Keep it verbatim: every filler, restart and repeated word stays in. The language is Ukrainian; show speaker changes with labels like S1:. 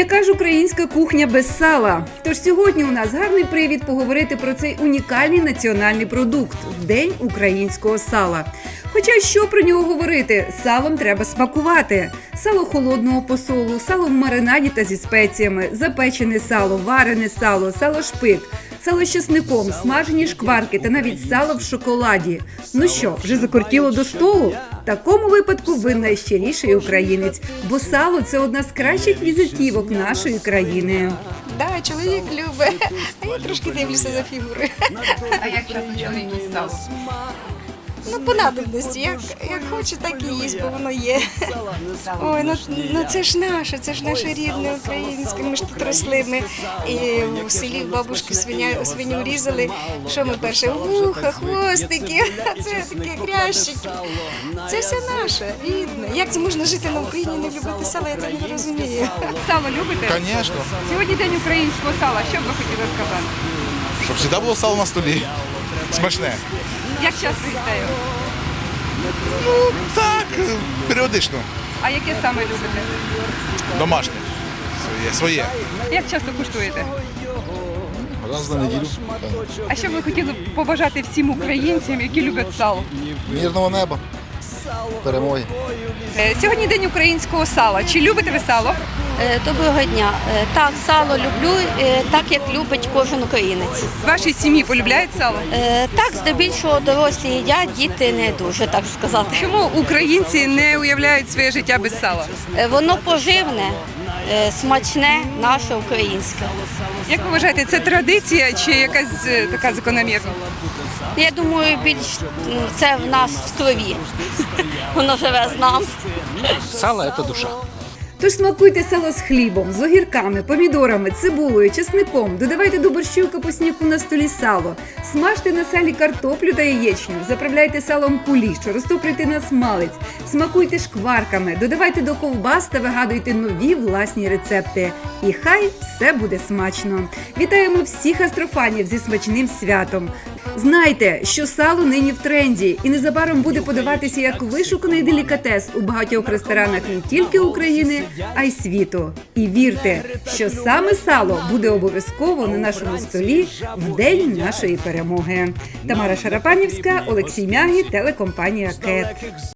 S1: Яка ж українська кухня без сала? Тож сьогодні у нас гарний привід поговорити про цей унікальний національний продукт – в День українського сала. Хоча що про нього говорити? Салом треба смакувати. Сало холодного посолу, сало в маринаді та зі спеціями, запечене сало, варене сало, сало шпик, сало з чесником, смажені шкварки та навіть сало в шоколаді. Ну що, вже закортіло до столу? В такому випадку ви найщиріший українець, бо сало – це одна з кращих візитівок нашої країни.
S2: Да, чоловік любить, а я трошки дивлюся за фігурою.
S3: А як часто чоловік їсть сало?
S2: Ну, по надобності, як, як хоче, так і їсть, бо воно є. Ой, ну, ну це ж наше, це ж наше рідне українське, ми ж тут росли, ми і в селі в бабушки свиня, свиню різали, що ми перше, вуха, хвостики, а це таке хрящики. Це все наше, рідне. Як це можна жити на Україні, не любити сало, я це не розумію.
S3: Сало любите?
S4: Конечно.
S3: Сьогодні день українського сала. Що б ви хотіли сказати?
S4: Щоб завжди було сало на столі. Смачне.
S3: Як часто їсте його?
S4: Ну, так, періодично.
S3: А яке саме любите?
S4: Домашнє. Своє. Своє.
S3: Як часто куштуєте?
S4: Раз на неділю.
S3: А що б ви хотіли побажати всім українцям, які люблять сало?
S4: Мирного неба. Перемоги.
S3: Е, Сьогодні день українського сала. Чи любите ви сало?
S5: Е, Доброго дня. Е, Так, сало люблю, е, так як любить кожен українець.
S3: В вашій сім'ї полюбляють сало?
S5: Е, Так, здебільшого дорослі їдять, діти не дуже, так сказати.
S3: Чому українці не уявляють своє життя без сала?
S5: Е, Воно поживне, е, смачне, наше українське.
S3: Як ви вважаєте, це традиція чи якась е, така закономірна?
S5: Я думаю, більш м, це в нас в крові. Воно живе з нами.
S6: Сало – это душа.
S1: Тож смакуйте сало з хлібом, з огірками, помідорами, цибулею, чесником, додавайте до борщу і капусняку на столі сало, смажте на салі картоплю та яєчню, заправляйте салом куліш, розтоплюйте на смалець, смакуйте шкварками, додавайте до ковбас та вигадуйте нові власні рецепти. І хай все буде смачно. Вітаємо всіх астрофанів зі смачним святом. Знайте, що сало нині в тренді і незабаром буде подаватися як вишуканий делікатес у багатьох ресторанах не тільки України, а й світу. І вірте, що саме сало буде обов'язково на нашому столі в день нашої перемоги. Тамара Шарапанівська, Олексій Мягі, телекомпанія «Кет».